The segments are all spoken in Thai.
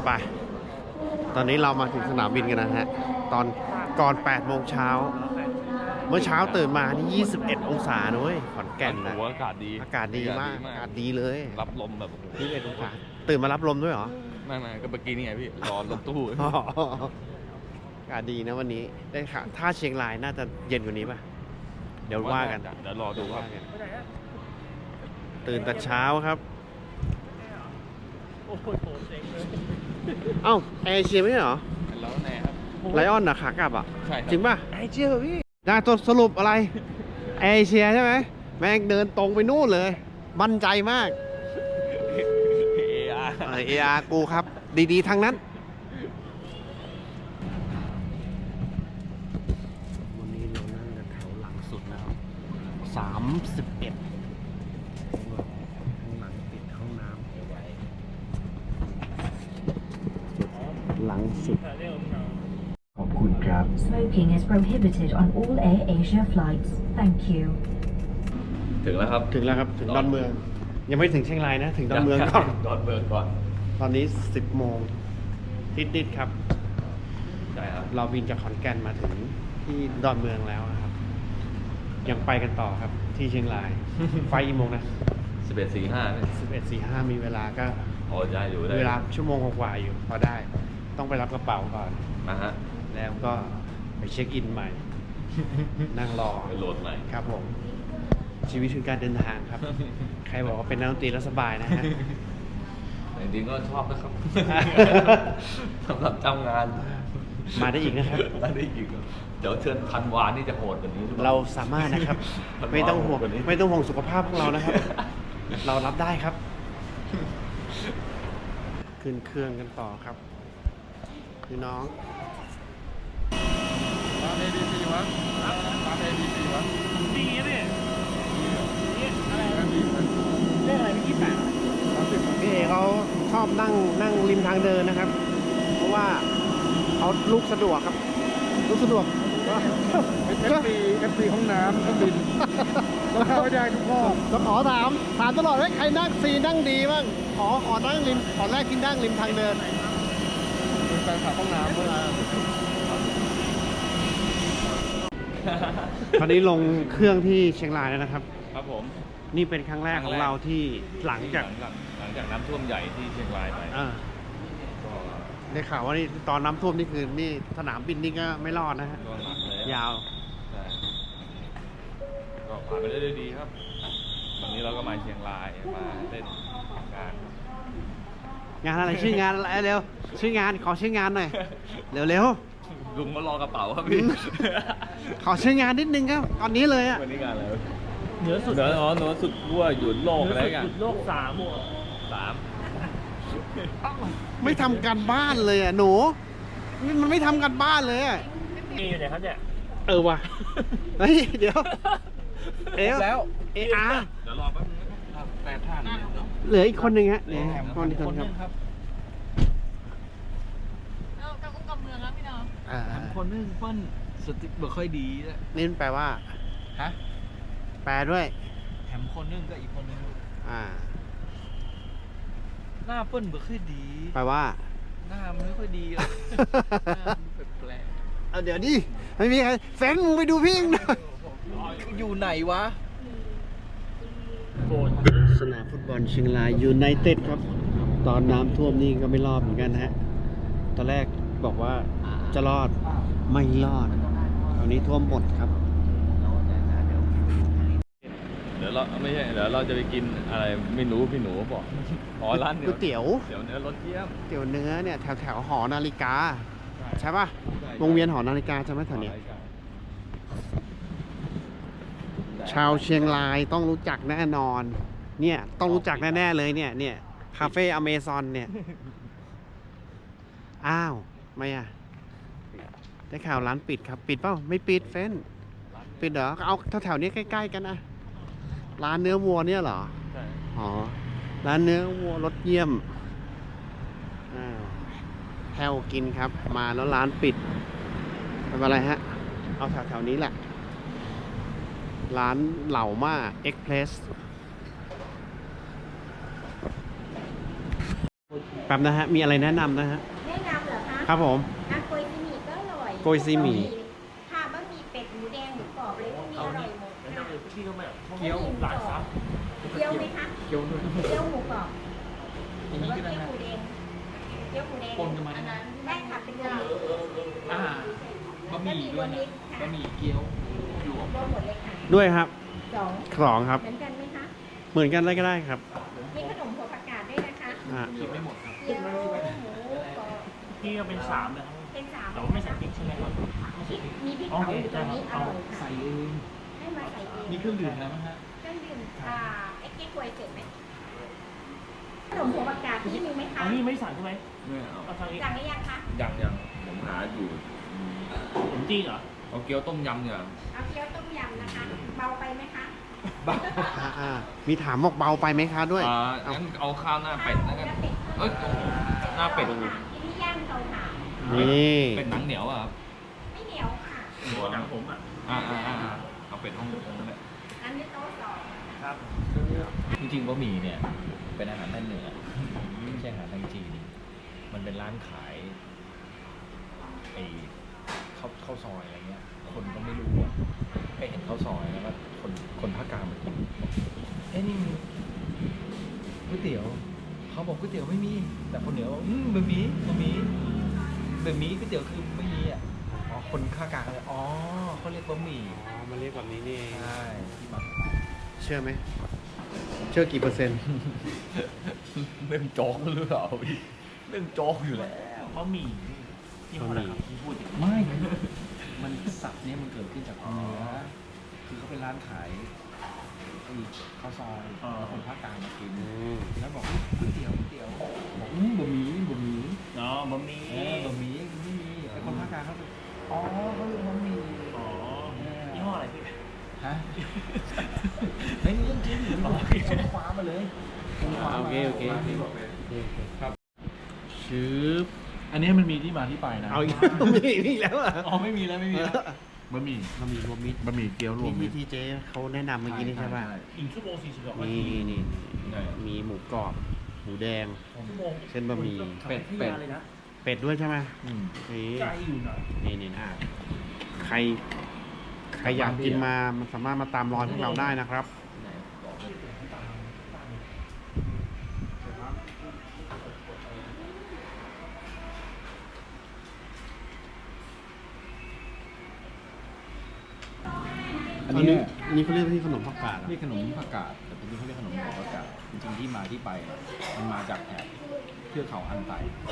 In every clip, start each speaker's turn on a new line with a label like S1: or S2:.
S1: ไปตอนนี้เรามาถึงสนามบินกันนะฮะตอนก่อน8 โมงเช้าเมื่อเช้าตื่นมานี่21 องศานะเว้ยขอนแก่นนะ
S2: อากาศดี
S1: อากาศดีมากอากาศดีเลย
S2: รับลมแบบ
S1: 21 องศาตื่นมารับลมด้วยเหรอ
S2: ไม่ก็เมื่อกี้นี่ไงพี่รอรถตู้
S1: อากาศดีนะวันนี้ได้ค่ะถ้าเชียงรายน่าจะเย็นกว่านี้ป่ะเดี๋ยวว่ากัน
S2: เดี๋ยวรอดูครับ
S1: ตื่นแต่เช้าครับเอ้าแอร์เอเชียไม่ใช่เหรอ
S2: แล้วแน่ครับ
S1: ไลออนนะขากลับอ่ะ
S2: ใช่ครับ
S1: จริงป่ะแอร์เอเชียเหรอพี่ได้ตัวสรุปอะไรแอร์เอเชียใช่ไหมแม่งเดินตรงไปนู่นเลยมั่นใจมาก AR กูครับดีๆทั้งนั้นวันนี้เรานั่งกันแถวหลังสุดนะครับ31ข้างหลังปิดห้องน้ำหลังสุดขอบคุณครับ
S3: Smoking is prohibited on all Air Asia flights. Thank you.
S2: ถึงแล้วครับ
S1: ถึงแล้วครับถึงดอนเมืองยังไม่ถึงเชียงรายนะถึงดอนเมืองก่อน
S2: ดอนเมืองก่อน
S1: ตอนนี้ 10 โมงนิดๆครับ
S2: ใช่ครับ
S1: เราบินจากขอนแก่นมาถึงที่ดอนเมืองแล้วนะครับ ยังไปกันต่อครับที่เชียงราย ไฟกี่โมงนะ
S2: 11:45
S1: 11:45 มีเวลาก็
S2: พอได้อยู่ได้
S1: เวลาชั่วโมงกว่าๆอยู่พอได้ ต้องไปรับกระเป๋าก่อน
S2: นะฮะ
S1: แล้วก็ไปเช็คอินใหม่ นั่งรอ
S2: ไปโหลดใหม่
S1: ครับผม ชีวิตคือการเดินทางครับ ใครบอกว่าเป็นนักดนตรีแล้วสบายนะฮะ
S2: แต่จริงๆก็ชอบนะครับ สำหรับเจ้างาน
S1: มาได้อีกนะครับ
S2: มาได้อีกเดี๋ยวเชิญพันวานี่จะโหดกว่านี้หรือเปล่า
S1: เราสามารถนะครับ ไม่ต้องห่วงไม่ต้องห่วงสุขภาพของเรานะครับ เรารับได้ครับ ขึ้นเครื่องกันต่อครับพี่น้อง
S2: ร้าน ABC วะร้าน ABC วะ
S4: ดีนะพี่นี่อะไรเลขอะไรพี่28
S1: พี่เอเขาชอบนั่งริมทางเดินนะครับ เพราะว่าเขาลุกสะดวกครับลุกสะดวก
S4: FC ห้องน้ำเครื่องบินแล้วเข้าไม่ได้ทุกข้อ
S1: จะขอถามตลอดว่าใครนั่งซีนั่งดีบ้างขอนั่งริมขอแรกที่นั่งริมทางเดิน
S4: เป็นแฟนคลับห้องน้ำด้วย
S1: ตอนนี้ลงเครื่องที่เชียงรายแล้วนะครับ
S2: ครับผม
S1: นี่เป็นครั้งแรกของเราที่หลังจาก
S2: น้ำท่วมใหญ่ที่เชียงรายไป
S1: ได้ข่าวว่านี่ตอนน้ำท่วมนี่คือนี่สนามบินนี่ก็ไม่รอดนะฮะ
S2: ก็หนักเลย
S1: ยาว
S2: ใช่ก็ผ่านไปได้ด้วยดีครับ วันนี้เราก็มาเชียงรายมาเล่นงาน
S1: งานอะไรชื่องานอะไรเร็วชื่องานขอชื่องานหน่อยเร็ว
S2: ลุงก็รอกระเป๋าครับพี่
S1: ขอชื่องานนิดนึงครับตอนนี้เลยอะ
S2: วันนี้งานอะไร
S4: เหนือสุด
S2: เหนือสุดขั้วหยุดโลกอะไรกัน
S4: สุดโลก3
S1: ไม่ทำการบ้านเลยอ่ะหนูมันไม่ทำการบ้านเลยอ่ะ
S4: มีอยู่ไหนครับเนี่ย
S1: ว่ะเฮ้ยเดี๋ยวแล้ว AR
S2: เดี๋ยวรอแป๊บนึงนะครับแปดท่าน
S1: เหลืออีกคนหนึ่งฮะเนี่ยคนนี้คนครับ
S5: เอากำกุ้งกำเมืองครับพี่น้อง
S4: คนนึงเปิ้ลสติบ่ค่อยดีแล้ว
S1: นี่มันแปลว่า
S4: ฮะ
S1: แปลด้วย
S4: แถมคนนึงก็อีกคนนึง หน้าเปิ้ลบ่ค่อยดี
S1: แปลว่า
S4: หน้ามันไม่ค่อยดีหรอกหน้ามันแปลก
S1: เอาเดี๋ยวดิไม่มีใครแฟนมึงไปดูพี่หน่อย
S4: ๆอยู่ไหนวะ
S1: สนามฟุตบอลเชียงรายยูไนเต็ดครับ ตอนน้ำท่วมนี่ก็ไม่รอดเหมือนกันนะฮะ ตอนแรกบอกว่าจะรอดไม่รอดตอนนี้ท่วมหมดครับ
S2: เดี๋ยวเราไม่ใช่เดี๋ยวเราจะไปกินอะไรไม่รู้พี่หนูบอกอ๋อร้าน
S1: ก๋วยเตี๋ยว
S2: เดี๋ยวเนื้อรสเยี่ยม
S1: เตี๋ยวเนื้อเนี่ยแถวหอนาฬิกา ใช่ป่ะ วงเวียนหอนาฬิกาใช่ไหมแถวนี้ ชาวเชียงรายต้องรู้จักแน่นอน เนี่ยต้องรู้จักแน่ๆเลยเนี่ยคาเฟ่อเมซอนเนี่ย อ้าวไม่อ่ะ ได้ข่าวร้านปิดครับ ปิดเปล่าไม่ปิดเฟ้นปิดเหรอเอาแถวๆนี้ใกล้ๆกันนะร้านเนื้อวัวเนี่ยเหรอ
S2: ใช่
S1: อ๋อร้านเนื้อวัวรสเยี่ยมอ้าวแถวกินครับมาแล้วร้านปิดไม่เป็นไรฮะเอาแถวๆนี้แหละ ร้านเหล่าม่าเอ็กเพรสแป๊บนะฮะ มีอะไรแนะนำนะฮะ
S6: แนะนำเหรอคะ
S1: ครับผม
S6: โกยซีหมี่ก็อร่อย
S1: โกยซีหมี่
S6: ค่ะบะหมี่เป็ดหมูแดงหมูกรอบอะไรพวกนี้อร่อยหมดค่ะ
S4: พี่ก็แบบ
S6: เกี๊ยวหลายซับเกี๊ยวไหมคะ
S4: เกี๊ยวด้วย
S6: เกี๊ยวหมูกรอบ
S4: อย่างนี้ก็ได้
S6: เกี๊ยว
S4: นะ
S6: หมูแดงเกี๊ยวหมูแดง
S4: ปนกันมาได้ไหม
S6: ได้ค่ะเป็นรวมมิตร
S4: บะหมี่ด้วยนะบะหมี่เกี๊ยวรวม
S6: รวมหมดเลยค่ะ
S1: ด้วยครับ
S6: สอง
S1: สองครับ
S6: เหมือนกันไหมคะ
S1: เหมือนกันเลยก็ได้ครับ
S6: มีขนมหัวผักกาดด้วยนะคะ
S1: อ่า
S4: กินไม่หมดครับ
S6: เกี๊ยวหมูกรอบ
S4: พี่ก็เป็น3เลยครับ
S6: เป็นสาม
S4: แต่ว่าไม่ใส่พริกใช่ไหมครับไม่ใส่พริก
S6: มีพริก
S4: โอ
S6: เผา
S4: เค
S6: อยู่ตร
S4: ได้
S6: ง
S4: ครับ
S6: นี้อ
S4: เอา
S6: ร่อยค่ะ
S4: ใส่เอง
S6: ให้มาใส่เอง
S4: มีเครื่องดื่มแล้วมั้ยฮะ
S6: เครื่องดื่มเอ็กซ์ควยเสร็จไหมขนมหัวผักกาดที่มีไหมคะ
S4: อันนี้ไม่สั่งใช่ไหม
S2: ไม่เอา
S4: เอาสั่งอีก
S6: สั่งหรือยังคะ
S2: ยังผมหาอยู่
S4: ขนมจีนเหรอ
S2: เอาเกี๊ยวต้มยำเนี่ย
S6: เอาเกี๊ยวต้มยำนะคะ เบาไปไหมคะ
S1: มีถามบอกเบาไปไหมคะด้วย
S2: งั้นเอาข้าวหน้าเป็ดแล้วกันเอ้ยหน้าเป็ด
S6: ที่นี่ย่างเตาถ่าน
S1: นี่
S2: เป็ดหนังเหนียวอ่ะครับ
S6: ไม่เหนียวค่ะ
S4: หัวหนังผมอ่ะ
S2: เอาเป็ดห้องนั่นแหละ
S6: อันนี้โต๊ะสอง
S4: ครับ
S7: จริงๆบะหมี่เนี่ยเป็นอาหารทางเหนือไม่ใช่อาหารทางจีน มันเป็นร้านขายไอ้ข้าวซอยอะไรเงี้ย คนก็ไม่รู้อะไปเห็นข้าวซอยแล้วก็คนภาคกลางมากินบอกเอ้นี่มันก๋วยเตี๋ยวเขาบอกก๋วยเตี๋ยวไม่มี แต่คนเหนือบอกบะหมี่ก๋วยเตี๋ยวคือไม่มีอ่ะอ๋อคนภาคกลางเลยอ๋อเขาเรียกบะหมี่
S1: อ๋อมาเรียกแบบนี้นี่เอง
S7: ใช่ที่มา
S1: เชื่อไหม เชื่อกี่เปอร์เซ็นต์
S7: เรื่องโจ๊กหรือเปล่าพี่เรื่องโจ๊กอยู่แล้ว
S4: บะหมี่ที่เขาครับที่พูดอย่างนี้
S7: ไม่ มันศัพท์เนี้ยมันเกิดขึ้นจากคนเหนือคือเขาเป็นร้านขายไอ้ข้าวซอยแล้วคนภาคกลางมากิน แล้วบอกก๋วยเตี๋ยวบอกบะหมี่
S4: เนาะบะหมี่
S7: บะหมี่ไม่มีไอ้คนภาคกลางเขาบอกอ๋อเขาเรียกบะหมี่
S4: อ๋อยี่ห้ออะไรพี่
S7: ฮะเฮ้ยนี่เรื่องจริงหรือคนคว้ามาเลยคนคว้ามา
S1: โอเคชืบ
S7: อันนี้มันมีที่มาที่ไปนะ
S1: เอาอีกมีแล้วเหรอ
S7: อ๋อไม่มีแล้วบะหมี่
S1: บะหมี่รวมมิตร
S7: บะหมี่เกี๊ยวรวมมิ
S1: ที่
S7: ตร
S1: เจ๊เขาแนะนำเมื่อกี้นี่ใช่ป่ะ
S4: 1 ชั่วโมง 42 นา
S1: นี่
S4: ที
S1: นี่มีหมูกรอบ หมูแดง
S4: ชั่วโมง
S1: เส้นบะหมี่
S4: เป็ดเลยนะ
S1: เป็ดด้วยใช่ไหม
S7: อืม
S1: นี่
S4: ไกลอยู่นะ
S1: นี่ใครอยากกินมามันสามารถมาตามรอยพวกเราได้นะครับ
S7: อันนี้
S1: อันนี้เขาเรียกที่ขนมผักกาด
S7: เรียกขนมผักกาดแต่ตรงนี้เขาเรียกขนมหัวผักกาดจริงๆที่มาที่ไปมันมาจากแถบเทือกเขาอันไต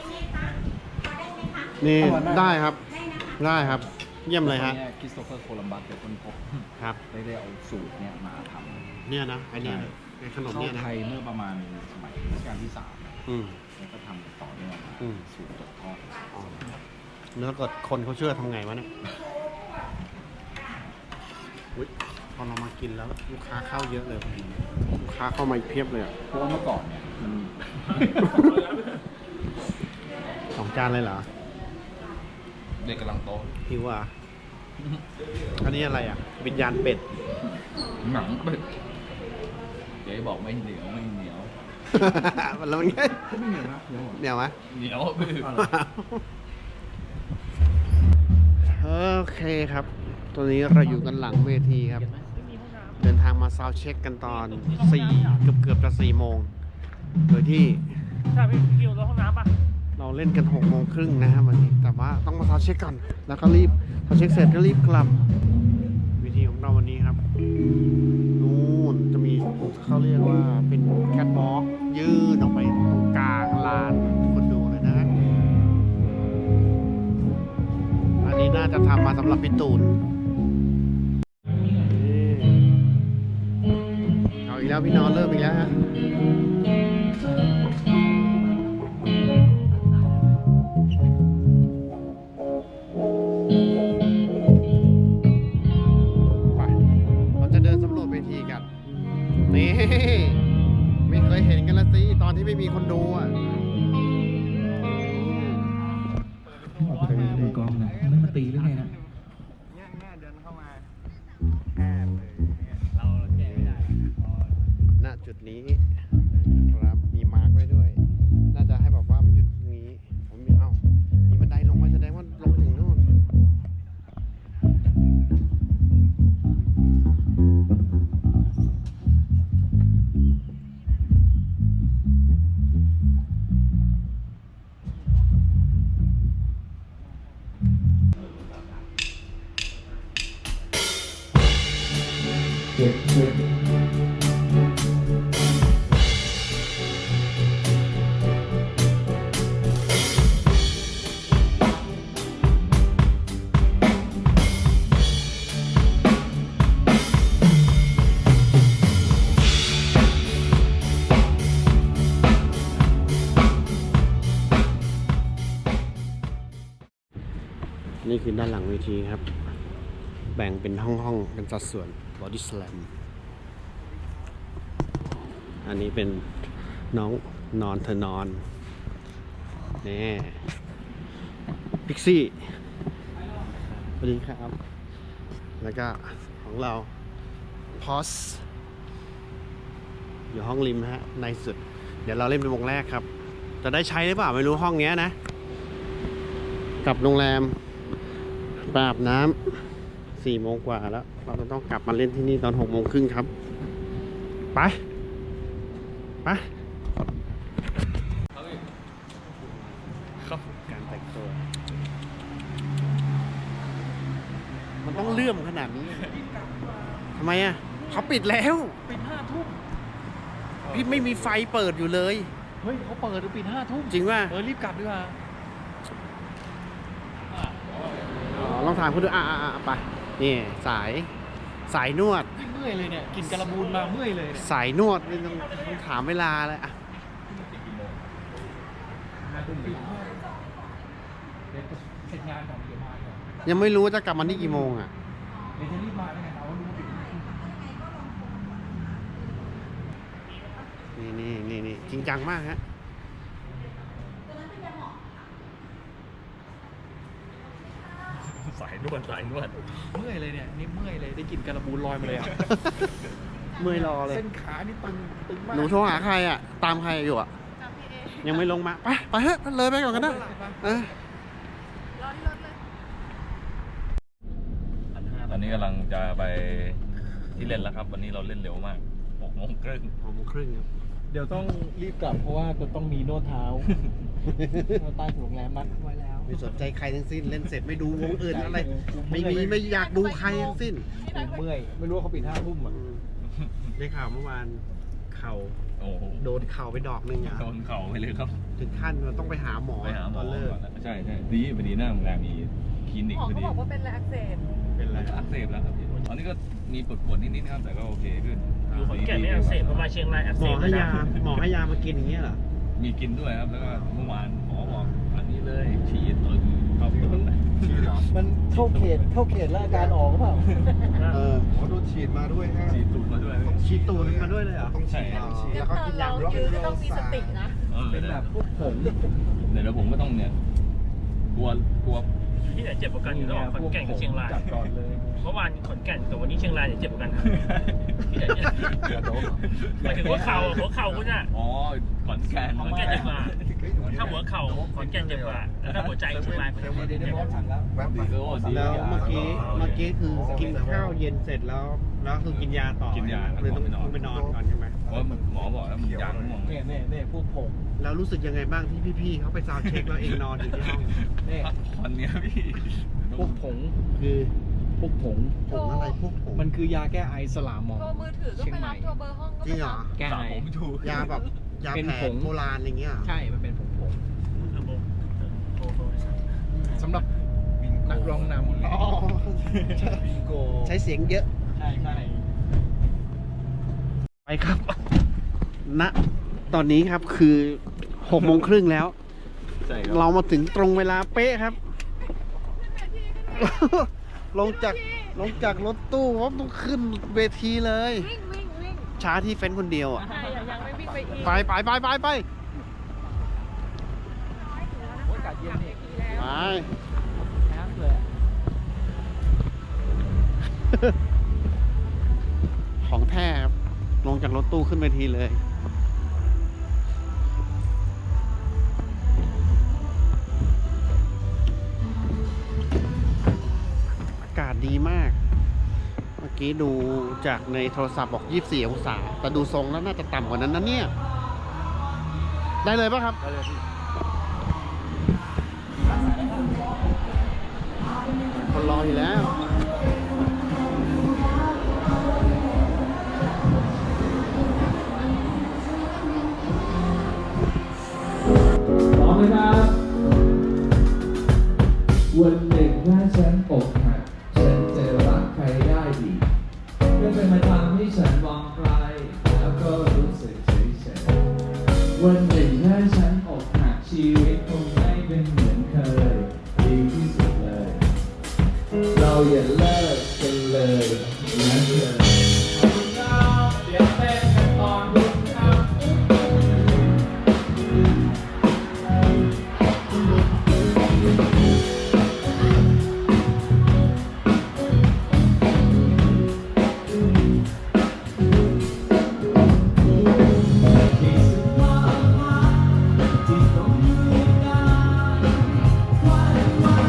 S1: นี่ได้ครับ
S6: ได้นะคะ
S1: ได้ครับ เยี่ยมเลยฮะ
S7: นี่คริสโตเฟอร์โคลัมบัสเป็นคนพบ
S1: ครับ
S7: ได้เอาสูตรเนี่ยมาทำ
S1: เนี่ยนะไอเนี่ยนะไอขนม
S7: เข้า
S1: เนี่ยนะ
S7: ไทยเมื่อประมาณสมัยรัชกาลที่
S1: อืม
S7: 3แล้วก็ทำต่อเนื่องมา
S1: อืม
S7: สูตรตกทอด
S1: อ๋อแล้วเกิดคนเขาเชื่อทำไงวะเนี่ยอุ๊ยพอเรามากินแล้วลูกค้าเข้าเยอะเลยลูกค้าเข้ามาอีกเพียบเลยอ่ะ
S7: เพราะว่าเมื่อก่อนเนี่ยมัน
S1: 2 จานเลยเหรอ
S2: เด็กกำลังโต
S1: หิวอ่ะ อันนี้อะไรอ่ะ วิญญาณเป็ด
S2: หนังเป็ด
S7: เจ๊บอกไม่เหนียว
S1: แล้วมันไง
S7: ไม่เหนียวนะเดี๋ยว
S1: เดี๋ยวไหม
S2: เหนียวพี่
S1: โอเคครับ ตัวนี้เราอยู่กันหลังเวทีครับ เดินทางมาซาวด์เช็คกันตอน 4 เกือบจะ 4 โมง โดยที่
S4: ใช่พี่คิวรถห้องน้ำป่ะ
S1: เราเล่นกัน 6 โมงครึ่งนะครับวันนี้ แต่ว่าต้องมาซาวด์เช็คก่อน แล้วก็รีบซาวด์เช็คเสร็จก็รีบกลับ วิธีของเราวันนี้ครับ นู่นจะมีเขาเรียกว่าเป็นแคทวอล์กยืดออกไปตรงกลางลานคนดูเลยนะ อันนี้น่าจะทำมาสำหรับพี่ตูนเอาอีกแล้วพี่นอนเริ่มอีกแล้วฮะไปเราจะเดินสำรวจเวทีกัน นี่ ไม่เคยเห็นกันละสิ ตอนที่ไม่มีคนดูอ่ะ
S7: มือกองนะไม่มาตีหรือไงนะ
S1: เนี่ยเดินเข้ามาแอบเลยเราแก้ไม่ได้ณจุดนี้ครับมีมาร์กไว้ด้วย น่าจะให้แบบว่ามันนี่คือด้านหลังเวทีครับ แบ่งเป็นห้องๆเป็นสัดส่วน Body Slam อันนี้เป็นน้องนอนเธอนอนนี่พิกซี่สวัสดีครับ แล้วก็ของเราพอสอยู่ห้องริมฮะในสุด เดี๋ยวเราเล่นเป็นวงแรกครับ จะได้ใช้หรือเปล่าไม่รู้ห้องเนี้ยนะกลับโรงแรมไปอาบน้ำ4 โมงกว่าแล้ว เราจะต้องกลับมาเล่นที่นี่ตอน6 โมงครึ่งครับ ไปครับการแต่งตัว มันต้องเลื่อมขนาดนี้ทำไมอ่ะเขาปิดแล้ว
S7: ปิด5 ทุ่ม
S1: พี่ไม่มีไฟเปิดอยู่เลย
S7: เฮ้ยเขาเปิดปิด5 ทุ่ม
S1: จริงป่ะ
S7: รีบกลับดีกว่า
S1: ลองถามคุณดูไปนี่สายนวด
S7: เมื่อยเลยเนี่ยกินกระบูนมาเมื่อยเลยเนี่ย
S1: สายนวดนี่ต้องถามเวลาเลยอ่ะ
S7: เดี๋ยวเสร็จงานก่อนเดี๋ยวมาก่อน
S1: ยังไม่รู้ว่าจะกลับมาที่กี่โมงอ่ะ
S7: เดี๋ยวจะรีบมาได้ไงเรารู้ปิด
S1: นี่จริงจังมากฮะ
S2: สายนวด
S7: เมื่อยเลยเนี่ยนี่เมื่อยเลยได้กินกระบูนลอยมาเลยอ่ะ
S1: เมื่อยรอเลย
S7: เส้นขานี่ตึงมาก
S1: หนูโทรหาใครอ่ะ ตามใครอยู่อ่ะ
S5: จำพี่เอ
S1: ยังไม่ลงมา ไปเถอะเลยไปก่อนกันนะเออ
S5: รอที่รถเลย
S2: ตอนนี้กำลังจะไปที่เล่นแล้วครับ วันนี้เราเล่นเร็วมาก6 โมงครึ่ง
S1: 6 โมงครึ่งครับ
S7: เดี๋ยวต้องรีบกลับเพราะว่าจะต้องมีนวดเท้าเราใต้ถุนโรงแรมนัดไว้แล้ว
S1: ไม่สนใจใครทั้งสิ้น เล่นเสร็จไม่ดูวงอื่นอะไร ไม่อยากดูใครทั้งสิ้น
S7: ผมเมื่อยไม่รู้ว่าเขาปิด5 ทุ่มอ่ะ
S1: ได้ข่าวเมื่อวานเข่า
S2: โอ้โห
S1: โดนเข่าไปดอกหนึ่งอ่ะ
S2: โดนเข่าไปเลยครับ
S1: ถึงขั้นมันต้องไปหาหมอ
S2: ไปหาหม
S1: ต
S2: อ
S1: อนเลิก
S2: ก่อนแล้วใช่ดีพอดีหน้าโรงแรมมีคลินิก
S5: หมอ
S2: พอ
S5: เขา
S2: ดี
S5: บอกว่าเป็นอะไรอักเสบ
S1: เป็นไร
S2: อักเสบแล้วครับพี่ตอนนี้ก็มีปวดนิดๆครับแต่ก็โอเคขึ้น
S4: อยู่ขอนแก่นไม่อักเสบพอมาเชียงรายอัก
S1: ห
S4: เส
S1: มอบ ให้
S4: แล้ว
S1: ยา
S4: นะ
S1: หมอให้ยามากินอย่างเงี้ยเหรอ
S2: มีกินด้วยครับแล้วก็เมื่อวานหมอบอกอันนี้เลยฉีดตึงเข้าไปตรงไหนฉีดเหรอ
S7: มันเข้าเขตแล้วอาการออกหรือเปล่า
S1: เออ
S8: โดนฉีดมาด้วยฮะ
S2: ฉีดตุ่มมาด้วย
S1: ฉีดตูดมาด้วยเลยเหรอ
S8: ต้องฉีด
S1: อ๋อ
S8: แล้วก็กินยา
S5: เรายืนก็ต้องมีสตินะ
S7: เป็นแบบพวกผม
S2: เดี๋ยวผมก็ต้องเนี่ยกลัว
S4: ที่ไหนเจ็บกว่ากันอยู่ระหว่างขอนแก่นกับเชียงราย
S7: จัดก่อนเลย
S4: เมื่อวานขอนแก่นกับวันนี้เชียงรายเนี่ยเจ็บกว่ากันครับที่ไหนเนี่ยหมายถึงหัวเข่าคุณอ่ะ
S2: อ๋อขอนแก่น
S4: ขอนแก่นเจ็บกว่าถ้าหัวเข่าขอนแก่นเจ็บกว่าแล้วถ้าหัวใจเชียงรายมัน
S7: เดี๋ยวบอสสั่งแล้ว
S8: แป๊บเดียว
S1: แล้วเมื่อกี้คือกินข้าวเย็นเสร็จแล้วคือกินยาต่อ
S2: กินยา
S1: เลยต้องไปนอนก่อนใช่ไหม
S2: เพราะหมอบอกแล้วมันยางง่วง
S7: เนี่ยพวกผม
S1: แล้วรู้สึกยังไงบ้างที่พี่ๆเขาไปซาวด์เช็คแล้วเองนอนอยู่ที่ห้อง
S7: เนี่ย
S2: พักผ่อนเนี่ยพี่
S7: พวกผง
S1: คือ
S7: พวกผง
S1: ผงอะไรพวกผง
S7: มันคือยาแก้ไอสลามหมอ
S5: โทรมือถือก็ไปรับโทรเบอร์ห้องก็
S1: จริ
S5: ไป
S1: งเหร
S5: รั
S1: อบ
S7: แก้ไอ
S2: ผมถูก
S1: ยาแบบยา
S7: เป็น
S1: แผ
S7: ผ
S1: น
S7: ง
S1: โบราณอะไรเงี้ยเหรอ
S7: ใช่มันเป็นผง
S4: โทรเลยสั่ง
S7: สำหรับนักร้องนำ
S1: อ๋อ
S7: บิงโก
S1: ใช้เสียงเยอะ
S7: ใช่
S1: ไปครับ ณ ตอนนี้ครับคือ6 โมงครึ่งแล้ว
S2: ใช่ครับ
S1: เรามาถึงตรงเวลาเป๊ะครับ ลงจากรถตู้ว่าต้องขึ้นเวทีเลย
S5: วิ่ง
S1: ช้าที่เฟ้นคนเดียวอ่ะ
S5: ใช่ยังไม่วิ่งไปอีก
S1: ไป
S7: โอ้ยอากาศเย็นนี่
S1: ไป
S7: น้ำเลย
S1: ของแท้ครับ ลงจากรถตู้ขึ้นเวทีเลย อากาศดีมาก เมื่อกี้ดูจากในโทรศัพท์บอก24 องศา แต่ดูทรงแล้วน่าจะต่ำกว่านั้นนะเนี่ย ได้เลยป่ะครับ
S7: ได้เลยพี่
S1: คนรออยู่แล้ว
S9: พร้อมไหมครับ วันหนึ่งถ้าฉันอกหักฉันจะรักใครได้ดีเพื่อเป็นมาทำให้ฉันมองใครแล้วก็รู้สึกเฉยๆวันหนึ่งถ้าฉันอกหักชีวิตคงไม่เป็นเหมือนเคยดีที่สุดเลยอย่าเลิกกันเลยนะเธอเดี๋ยวเต้นกันตอนรุ่งค่ำที่สุดความรักที่ต้องอยู่นานวันวัน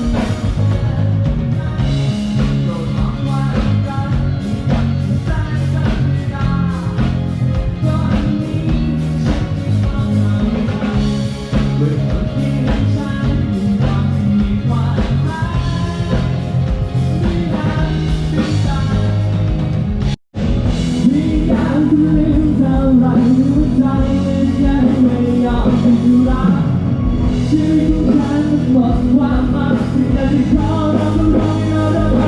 S9: โปรดมองว่ารักที่ยังแสนธรรมดาตอนนี้ฉันไม่ต้องอะไรเมื่อคนที่รักฉันอยากมีความรักไม่นานไม่ตาย มีการลืมเท่าไรหัวใจยังไม่ยอมหยุดรักชีวิตของฉันหมดความหมายที่จะได้ขอรับรู้เราได้ไหม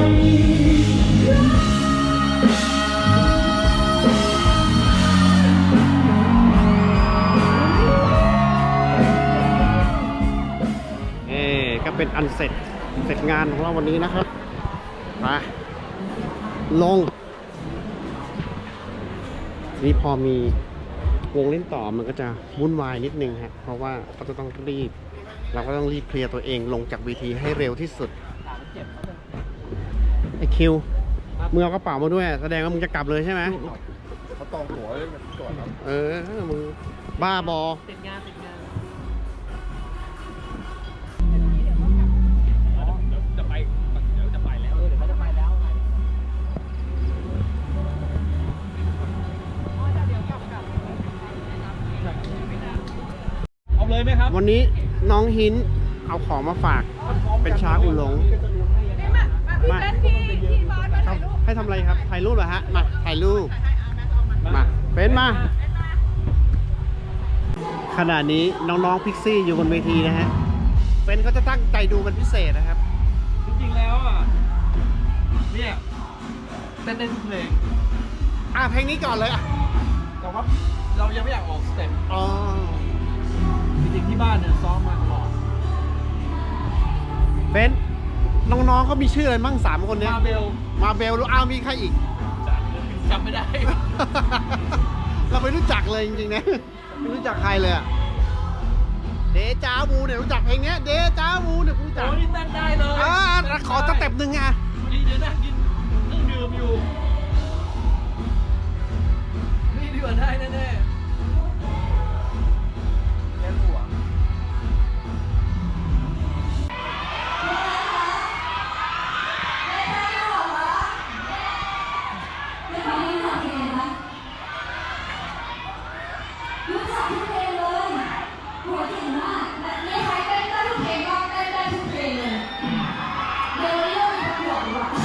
S1: ก็เป็นอันเสร็จงานของเราวันนี้นะครับมาลงนี่พอมีวงเล่นต่อมันก็จะวุ่นวายนิดนึงฮะเพราะว่าเราก็ต้องรีบเคลียร์ตัวเองลงจากเวทีให้เร็วที่สุดไอคิวมึงเอากระเป๋ามาด้วยแสดงว่ามึงจะกลับเลยใช่ไหม
S8: เขาตองหัวไว้ก่อนครับ
S1: มึงบ้าบอ
S4: ติดงานจะไปเดี๋ยวจะไปแล้วเดี๋ยวเขาจะไปแล้วไง เอาเลยไหมครับ
S1: วันนี้น้องหินเอาของมาฝากเป็นชาอุหลง
S5: พี่บอสมาถ่ายรูป
S1: ให้ทำอะไรครับถ่ายรูปเหรอฮะมาถ่ายรูปมาเป็นมาขณะนี้น้องๆพิกซี่อยู่บนเวทีนะฮะเป็นเขาจะตั้งใจดูเป็นพิเศษนะครับ
S7: จริงๆแล้วอ่ะ เนี่ยเต้นได้ทุกเพลง
S1: เพลงนี้ก่อนเลยอ่ะ
S7: แต่ว่าเรายังไม่อยากออกสเต็ป
S1: อ๋อ
S7: จริงๆที่บ้านเนี่ยซ้อมมาตลอด
S1: เป็นน้องๆเขามีชื่ออะไรมั่ง3 คนเนี้ย
S7: มาเบล
S1: มาเบลหรือมีใครอีก
S7: จำไม่ได้
S1: เราไม่รู้จักเลยจริงๆนะไม่รู้จักใครเลยอะเดจาวูเนี่ยรู้จักเพลงเนี้ยเดจาวูเนี่ยรู้จัก
S7: โอ้นี่เต้นได้เลย
S1: ขอสเต็ปหนึ่งอ่ะ
S7: นี่เดี๋ยวนั่งกินเครื่องดื่มอยู่ นี่ดีกว่าได้แน่ๆแค่หัว
S6: รู้จักทุกเพลงเลยหัวเก่งมากแบบในใครเต้นได้ทุกเพลงก็เต้นได้ทุกเพลงเลยเดี๋ยวเรื่องมันบอกดีกว่า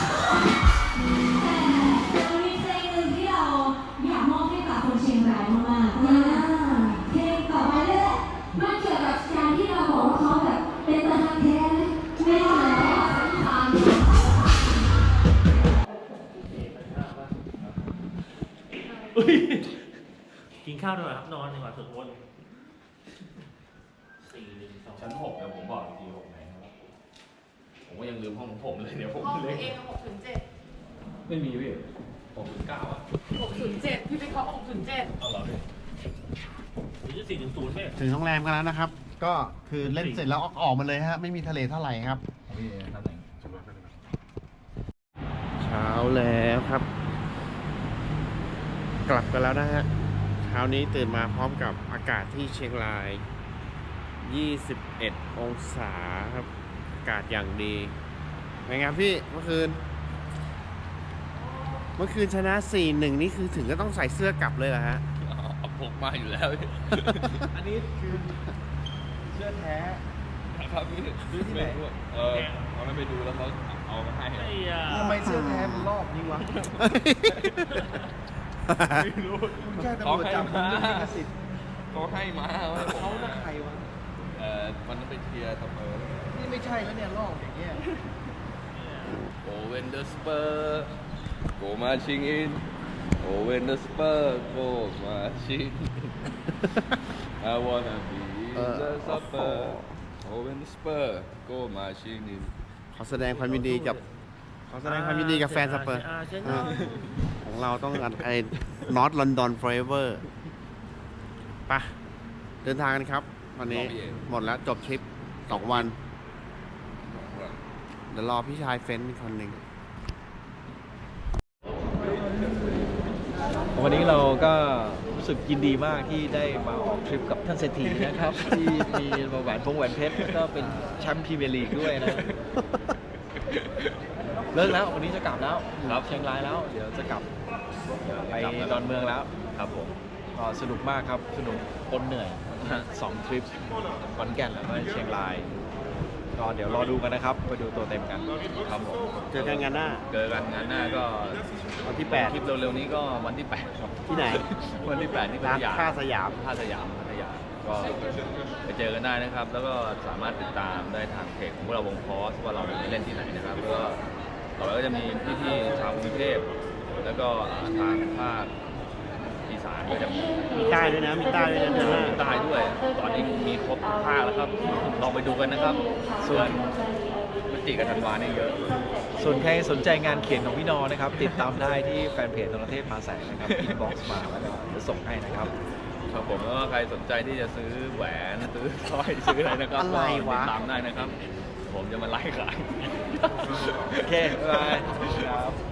S6: แต่มันมีเพลงหนึ่งที่เราอยากมอบให้กับคนเชียงรายมากๆเพลงต่อไปนี่แหละมันเกี่ยวกับการที่เราบอกว่าเขาแบบเป็นตะฮันแท้ไม่ใช่แล้วสำคัญ
S4: กินข้าวดีกว่าครับนอนดีกว่าสุดวน4 1 2
S2: ชั้น6แล้วผมบอกอีกที6ไหนครับผมก็ยังลืมห้องของผมเลยเดี๋ยวผม
S5: ห้อง
S2: เล็ก
S5: เอง607
S7: ไม่มีพี่
S2: 6.9อ่ะ
S5: 607พี่ไปเคาะ607
S2: เอาเหรอพี่
S4: หรือ4 0ไหม
S1: ถึงโรงแรมกันแล้วนะครับ ก็คือเล่นเสร็จแล้วออกมาเลยฮะไม่มีทะเลเท่าไหร่ครับ
S7: พี่ท่านไหน
S1: เช้าแล้วครับ กลับกันแล้วนะฮะเช้านี้ตื่นมาพร้อมกับอากาศที่เชียงราย 21 องศาครับ อากาศอย่างดีเป็นไงพี่เมื่อคืนชนะ 4-1 นี่คือถึงก็ต้องใส่เสื้อกลับเลยเหรอฮะ
S2: เอาพกมาอยู่แล้วพี่
S7: อันนี้คือเสื้อแท้
S2: ครับพี่
S7: ดูที่ไหน
S2: เอานั้นไปดูแล้วเขาเอามาให้
S4: ไอ้ยา
S8: ทำไมเสื้อแท้มันรอบนี้วะ
S2: ไม่รู้
S8: คุณแค่ตำรวจจับคุณเรื่องลิขสิทธิ์
S2: เขาให้มาให้ผม
S8: เขาหน้าใครวะ
S2: วันนั้นไปเชียร์สเปอร์
S8: นี่ไม่ใช่แล้วเนี่ยรอบอย่างเงี้ย
S2: โอเวนเดอร์สเปอร์โกมาชิงอินโอเวนเดอร์สเปอร์โกมาชิง I wanna be the Spurs โอเวนเดอร์สเปอร์โกมาชิงอิน
S1: ขอแสดงความยินดีกับขอแสดงความยินดีกับแฟนสเปอร์ของเราต้องไอ้ North London Forever ไปเดินทางกันครับ วันนี้หมดแล้วจบทริป2 วัน เดี๋ยวรอพี่ชายเฟ้นอีกคนหนึ่ง
S7: วันนี้เราก็รู้สึกยินดีมากที่ได้มาออกทริปกับท่านเศรษฐีนะครับ ที่มีแหวนเพชรก็เป็นแชมป์พรีเมียร์ลีกด้วยนะ เลิกแล้ววันนี้จะกลับแล้วครับเชียงรายแล้ว เดี๋ยวจะกลับไปดอนเมืองแล้วครับผมก็สนุกมากครับสนุกปนเหนื่อย 2 ทริปขอนแก่นแล้วก็เชียงรายก็เดี๋ยวรอดูกันนะครับไปดูตัวเต็มกันครับผม
S1: เจอกันงานหน้า
S2: เจอกันงานหน้าก็
S1: วันที่
S2: คลิปเร็วๆนี้ก็วันที่ 8 ครับ
S1: ที่ไหน
S2: วันที่ 8 ที่พั
S1: ร้าน
S2: ทยา
S1: ท่าสยาม
S2: พัทยาก็ไปเจอกันได้นะครับ แล้วก็สามารถติดตามได้ทางเพจของพวกเราวงพอสว่าเราไปเล่นที่ไหนนะครับแล้วก็ต่อไปก็จะมีพี่ๆชาวกรุงเทพแล้วก็ทางภาคอีสานก็จะมี
S1: มีใต้ด้วยนะ มีใต้ด้วยนะเดือนหน้า
S2: ใต้ด้วย ตอนนี้มีครบทุกภาคแล้วครับลองไปดูกันนะครับ ส่วนพฤศจิกกับธันวาเนี่ยเยอะ
S7: ส่วนใครสนใจงานเขียนของพี่นอนะครับ ติดตามได้ที่แฟนเพจธนเทพมาแสงนะครับอินบ็อกซ์มาแล้วก็จะส่งให้นะครับ
S2: ครับผมแล้วก็ใครสนใจที่จะซื้อแหวนซื้อสร้อยซื้ออะไรนะครับ
S1: อะไรวะ
S2: ก็ติดตามได้นะครับ ผมจะมาไล่ขาย
S7: โอเค บ๊ายบายครับ